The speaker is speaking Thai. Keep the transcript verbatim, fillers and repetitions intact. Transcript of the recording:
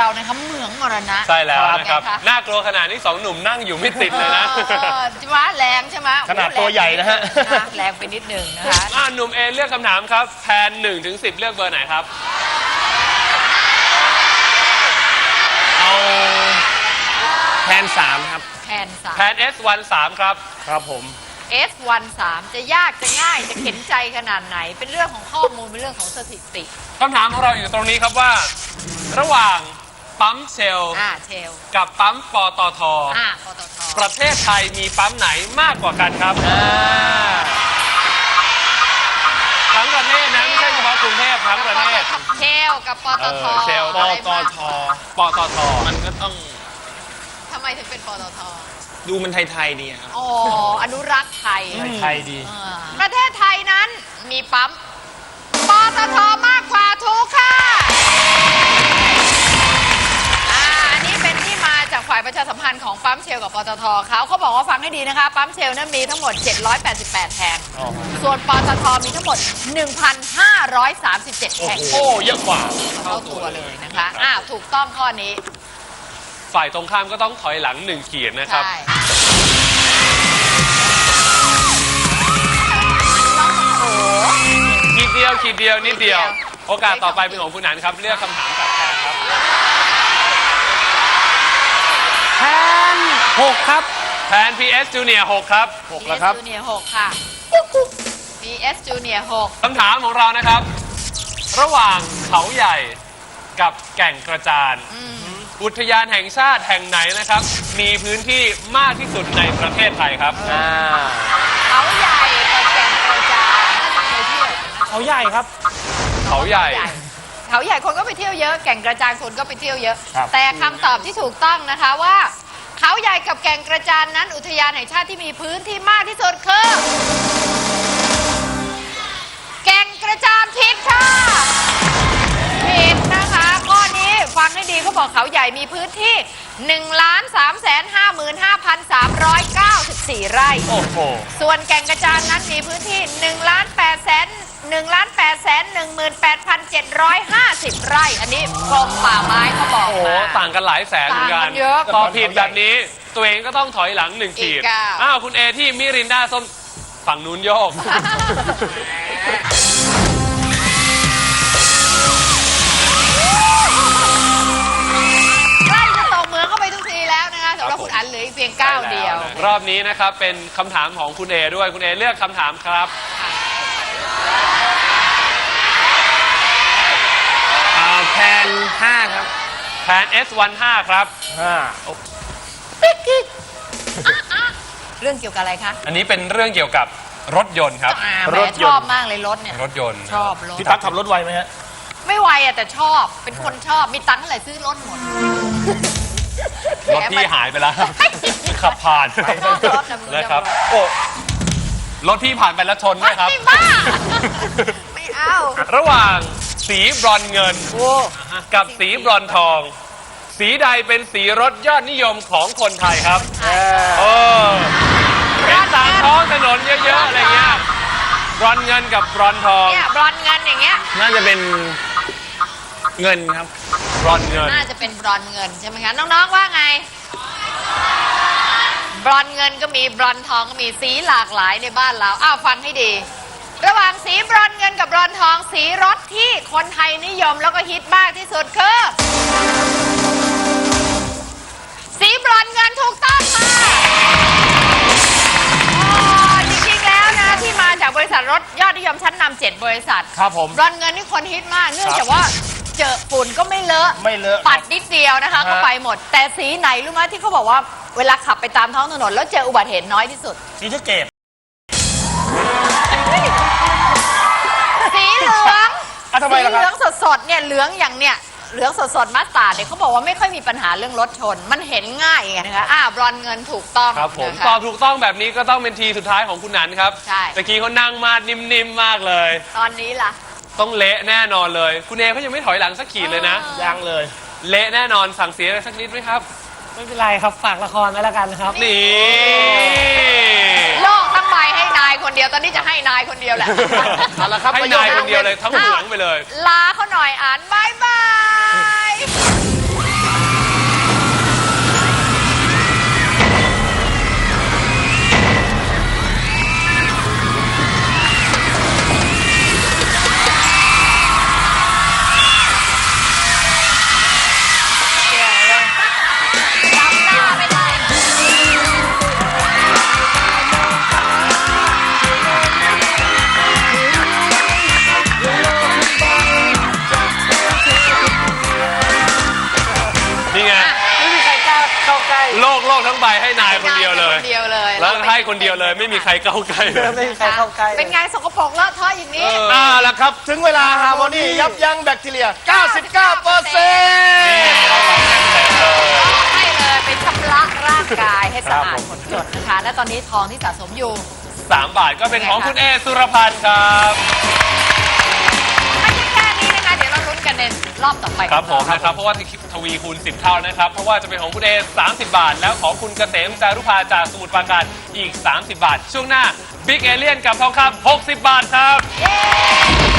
นะคะเหมืองมรณะใช่แล้วนะครับน่ากลัวขนาดนี้สองหนุ่มนั่งอยู่ไม่ติดเลยนะจิวะแรงใช่ไหมขนาดตัวใหญ่นะฮะแรงไปนิดนึงนะคะหนุ่มเอเลือกคำถามครับแพนหนึ่งถึงสิบเลือกเบอร์ไหนครับเอาแพนสามครับแพนสามแพน เอส วัน สามครับครับผมเอส วัน สาม จะยากจะง่ายจะเข็นใจขนาดไหนเป็นเรื่องของข้อมูลเป็นเรื่องของสถิติคำถามของเราอยู่ตรงนี้ครับว่าระหว่างปั๊มเชลกับปั๊มปตท.ประเทศไทยมีปั๊มไหนมากกว่ากันครับทั้งประเทศนะไม่ใช่เฉพาะกรุงเทพทั้งประเทศเชลกับปตท. เชลปตท. ปตท. มันก็ต้องทำไมถึงเป็นปตท. ดูมันไทยๆดีครับอ๋ออนุรักษ์ไทยไทยดีประเทศไทยนั้นมีปั๊มปตท.มากกว่าถูกค่ะอันนี้เป็นที่มาจากฝ่ายประชาสัมพันธ์ของปั๊มเชลกับปตท.เขาเขาบอกว่าฟังให้ดีนะคะปั๊มเชลนั้นมีทั้งหมดเจ็ดร้อยแปดสิบแปดแห่งส่วนปตท.มีทั้งหมด หนึ่งพันห้าร้อยสามสิบเจ็ด แห่งโอ้เยอะกว่าเท่าตัวเลยนะคะอ้าวถูกต้องข้อนี้ฝ่ายตรงข้ามก็ต้องถอยหลังหนึ่งขีดนะครับขีดเดียวขีดเดียวนิดเดียวโอกาสต่อไปเป็นของคุณหนันครับเลือกคำถามจากแพนครับแพนหกครับแพน พี เอส Junior หกครับหกแล้วครับพี เอส Junior หกค่ะ พี เอส Junior หกคำถามของเรานะครับระหว่างเขาใหญ่กับแก่งกระจานอุทยานแห่งชาติแห่งไหนนะครับมีพื้นที่มากที่สุดในประเทศไทยครับเขาใหญ่กับแก่งกระจานเคยเที่ยวเขาใหญ่ครับเขาใหญ่เขาใหญ่คนก็ไปเที่ยวเยอะแก่งกระจานคนก็ไปเที่ยวเยอะแต่คำตอบที่ถูกต้องนะคะว่าเขาใหญ่กับแก่งกระจานนั้นอุทยานแห่งชาติที่มีพื้นที่มากที่สุดคือแก่งกระจานผิดค่ะผิดนะคะข้อนี้ฟังให้ดีเขาบอกเขาใหญ่มีพื้นที่ หนึ่งล้านสามแสนห้าหมื่นห้าพันสามร้อยเก้าสิบสี่ ไร่โอ้โหส่วนแก่งกระจานนั้นมีพื้นที่ หนึ่งล้านแปดแสนหนึ่งล้านแปดแสนหนึ่งหมื่นแปดพันเจ็ดร้อยห้าสิบ ไร่อันนี้กรมป่าไม้เขาบอกมาโอ้ต่างกันหลายแสนเหมือนกันตอบผิดแบบนี้ตัวเองก็ต้องถอยหลังหนึ่งขีดอ้าวคุณเอที่มิรินดาส้มฝั่งนู้นโยกใกล้จะตกเมืองเข้าไปทุกทีแล้วนะคะสำหรับคุณอันเหลืออีกเพียงก้าวเดียวรอบนี้นะครับเป็นคำถามของคุณเอด้วยคุณเอเลือกคำถามครับแพนห้าครับแพน เอส วัน ห้าครับห้าเรื่องเกี่ยวกับอะไรคะอันนี้เป็นเรื่องเกี่ยวกับรถยนต์ครับรถชอบมากเลยรถเนี่ยรถยนต์ชอบรถพี่ตั๊กขับรถไวไหมฮะไม่ไวอะแต่ชอบเป็นคนชอบมีตังค์เท่าไหร่ซื้อรถหมดรถพี่หายไปแล้วขับผ่านนะครับโอ้รถพี่ผ่านไปแล้วชนไหมครับไม่บ้าไม่เอาระหว่างสีบรอนเงินกับสีบรอนทองสีใดเป็นสีรถยอดนิยมของคนไทยครับเออเป็นตามท้องถนนเยอะๆอะไรเงี้ยบรอนเงินกับบรอนทองเนี่ยบรอนเงินอย่างเงี้ยน่าจะเป็นเงินครับบรอนเงินน่าจะเป็นบรอนเงินใช่ไหมคะน้องๆว่าไงบรอนเงินก็มีบรอนทองก็มีสีหลากหลายในบ้านเราอ้าวฟังให้ดีระหว่างสีบรอนเงินกับบรอนทองสีรถที่คนไทยนิยมแล้วก็ฮิตมากที่สุดคือสีบรอนเงินถูกต้องค่ะจริงๆแล้วนะที่มาจากบริษัทรถยอดนิยมชั้นนำเจ็ดบริษัทครับผมบรอนเงินนี่คนฮิตมากเนื่องจากว่าเจอฝุ่นก็ไม่เลอะไม่เลอะปัดนิดเดียวนะคะก็ไปหมดแต่สีไหนรู้ไหมที่เขาบอกว่าเวลาขับไปตามท้องถนนแล้วเจออุบัติเหตุน้อยที่สุดสีสะเกษสีเหลืองสีเหลืองสดๆเนี่ยเหลืองอย่างเนี่ยเหลืองสดๆมัสตาร์ดเนี่ยเขาบอกว่าไม่ค่อยมีปัญหาเรื่องรถชนมันเห็นง่ายไงนะคะอ้าวบรอนเงินถูกต้องครับผมตอบถูกต้องแบบนี้ก็ต้องเป็นทีสุดท้ายของคุณนันครับใช่ตะกี้เขานั่งมานิ่มๆมากเลยตอนนี้ล่ะต้องเละแน่นอนเลยคุณเอเขายังไม่ถอยหลังสักขีดเลยนะยังเลยเละแน่นอนสั่งเสียอะไรสักนิดไหมครับไม่เป็นไรครับฝากละครไว้แล้วกันครับนี่โลกทั้งใบให้นายคนเดียวตอนนี้จะให้นายคนเดียวแหละเอาละครับให้นายคนเดียวเลยทั้งเหมืองไปเลยลาเขาหน่อยอ่านบายบายแล้วให้คนเดียวเลยไม่มีใครเข้าใกล้เลยไม่มีใครเข้าใกล้เป็นไงสกปรกเลอะเทอะอย่างนี้อ่าแล้วครับ ถึงเวลาฮาร์โมนียับยั้งแบคทีเรีย เก้าสิบเก้าเปอร์เซ็นต์ให้เลยไปชำระร่างกายให้สะอาดหมดจดนะคะ และตอนนี้ทองที่สะสมอยู่สามบาทก็เป็นของคุณเอสุรพันธ์ครับไม่ใช่แค่นี้นะคะ เดี๋ยวเราลุ้นกันในรอบต่อไปครับผมนะครับ เพราะว่าทวีคูณสิบเท่านะครับ เพราะว่าจะเป็นของคุณเอสามสิบบาท แล้วของคุณเกษมจารุภาจากสมุทรปราการอีก สามสิบบาท ช่วงหน้าบิ๊กเอเลียนกับทองคำหกสิบบาทครับเย้